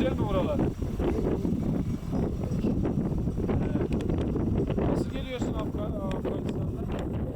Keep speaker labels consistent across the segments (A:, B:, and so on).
A: güzel mi buralar? Nasıl geliyorsun Afganistan'dan?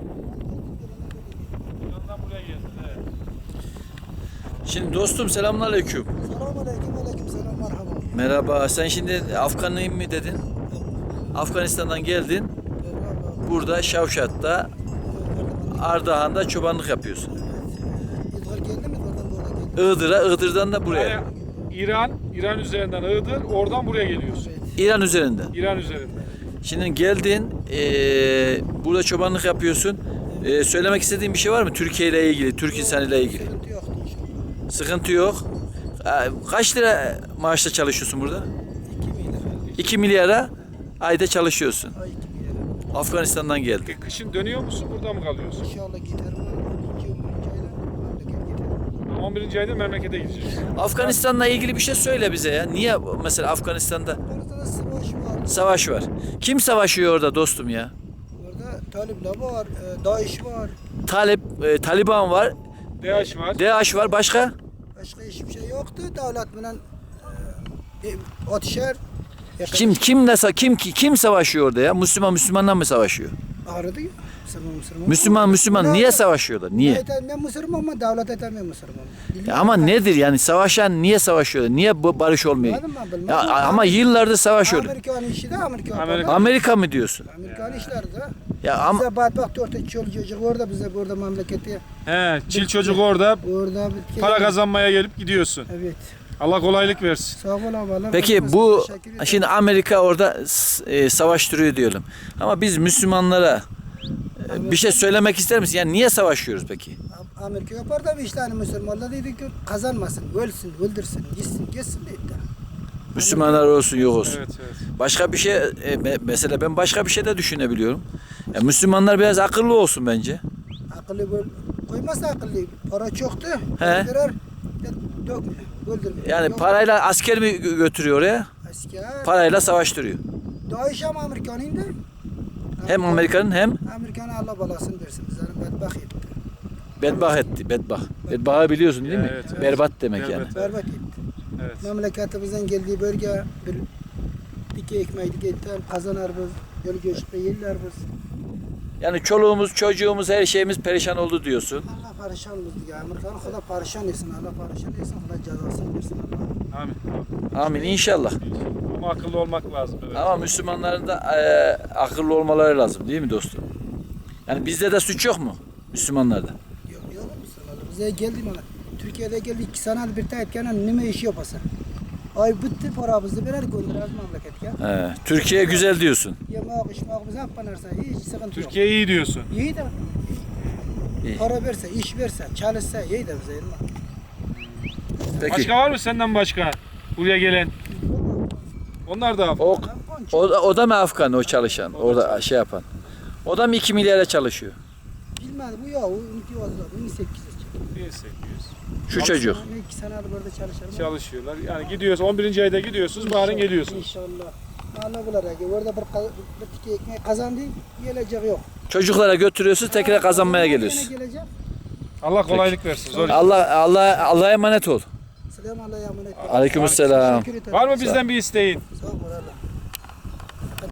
A: İran'dan buraya geldin. Evet.
B: Şimdi dostum selamünaleyküm.
C: Selamünaleyküm, aleykümselam, merhaba.
B: Merhaba. Sen şimdi Afganlıyım mı dedin? Afganistan'dan geldin. Burada Şavşat'ta, Ardahan'da çobanlık yapıyorsun.
C: İdgar geldi mi? İdgar'dan doğru geldi.
B: Iğdır'dan da buraya.
A: Yani İran üzerinden Iğdır, oradan buraya geliyorsun.
B: İran üzerinden.
A: İran üzerinden.
B: Şimdi geldin, burada çobanlık yapıyorsun. Söylemek istediğin bir şey var mı? Türkiye ile ilgili, Türk insanıyla ilgili.
C: Sıkıntı yoktu inşallah.
B: Sıkıntı yok. Kaç lira maaşla çalışıyorsun burada?
C: 2 milyar.
B: 2 milyara ayda çalışıyorsun.
C: Ay 2 milyar.
B: Afganistan'dan geldin.
A: Kışın dönüyor musun, burada mı kalıyorsun?
C: İnşallah giderim. 2 ayda memleket giderim.
A: 11. ayda memlekete gideceksin.
B: Afganistan'la ilgili bir şey söyle bize ya. Niye mesela Afganistan'da
C: Orada da savaş var.
B: savaş var? Kim savaşıyor orada dostum ya?
C: Orada Talipler var, DAEŞ var.
B: Taliban var,
A: DH var.
B: DAEŞ var, başka?
C: Başka hiçbir şey yoktu. Devlet bilen atışer.
B: Kim savaşıyor orada ya? Müslümanlar mı savaşıyor?
C: Ağrıdı ya.
B: Müslüman niye savaşıyorlar? Niye?
C: Ben Müslüman ama devlet etmem Müslüman.
B: Ya ama nedir yani savaşan niye savaşıyorlar? Niye barış olmuyor?
C: Bilmem ben, bilmem.
B: Ya ama yıllardır savaşıyorlar.
C: Amerikan işi de Amerikan.
B: Amerika mı diyorsun?
C: Amerikan işleri de.
B: Ya ama
C: Bize badbaht orta çoluk çocuk orada bize burada memleketi.
A: He, çil çocuk orada
C: Orada
A: para kazanmaya gelip gidiyorsun.
C: Evet.
A: Allah kolaylık versin.
C: Sağ ol Allah.
B: peki bu şimdi Amerika orada savaştırıyor diyelim. Ama biz Müslümanlara bir şey söylemek ister misin? Yani niye savaşıyoruz peki?
C: Amerika yapar da bir işlerini Müslümanlar dedi ki kazanmasın, ölsün, öldürsün, gitsin dedi.
B: Müslümanlar olsun yok olsun.
A: Evet, evet.
B: Başka bir şey mesela ben başka bir şey de düşünebiliyorum. Ya Müslümanlar biraz akıllı olsun bence.
C: Akıllı koymazsa akıllı. Para çoktu.
B: He.
C: Öldürer. Dökme. Öldürme.
B: Yani
C: Yok.
B: parayla asker mi götürüyor oraya?
C: Asker.
B: Parayla savaştırıyor.
C: DAEŞ hem Amerikan'ın da.
B: Hem Amerika'nın hem
C: Amerikan'a Allah balasını versin. Bizlerin bedbaht etti.
B: bedbaht etti. Bedbahtı biliyorsun değil mi?
A: Evet, evet.
B: Berbat demek
A: Berbat.
B: yani.
C: Berbat etti.
A: Evet.
C: Memleketimizden geldiği bölge bir dike ekmeği diketten kazanır biz. Yolu göçükte yerler biz.
B: Yani çoluğumuz, çocuğumuz, her şeyimiz perişan oldu diyorsun.
C: Allah parişan oldu ya. Amerikan'ı Allah parişan etsin. Allah parişan etsin. Allah cezasını versin. Allah.
A: Amin.
B: Amin inşallah.
A: Ama akıllı olmak lazım. Evet.
B: Ama Müslümanların da akıllı olmaları lazım değil mi dostum? Yani bizde de suç yok mu? Müslümanlarda.
C: Yok Müslümanlar. Bize geldi bana. Türkiye'de geldi 2 sene bir tane etken ne iş yapasın. Ay bitti paramızı birer göndeririz memleketke.
B: Türkiye güzel diyorsun.
C: Yemek içmek bize yapmanırsa hiç sıkıntı yok.
A: Türkiye iyi diyorsun.
C: İyi de.
B: İyi.
C: Para verse, iş verse, çalışsa iyi de bize.
B: Peki.
A: Başka var mı senden başka? Buraya gelen. Onlar da
B: O da mı Afgan o çalışan? Orada şey yapan. O da mı 2 milyara çalışıyor?
C: Bilmedim bu ya, o 18
A: 1800
B: Şu çocuk.
C: 2 senedir burada çalışırım.
A: çalışıyorlar. Yani gidiyoruz 11. ayda gidiyorsunuz, baharın geliyorsunuz.
C: İnşallah. Allah bilir ya. Orada bir tike ekmeği kazandı, gelecek yok.
B: Çocuklara götürüyorsun tekrar kazanmaya
C: Yine
B: geliyorsun.
C: gelecek.
A: Allah kolaylık versin. Zor.
B: Allah'a emanet ol.
C: Selam Allah'a emanet.
B: Aleykümselam.
C: Teşekkür ederim.
A: Var mı bizden bir isteğin?
C: Sağ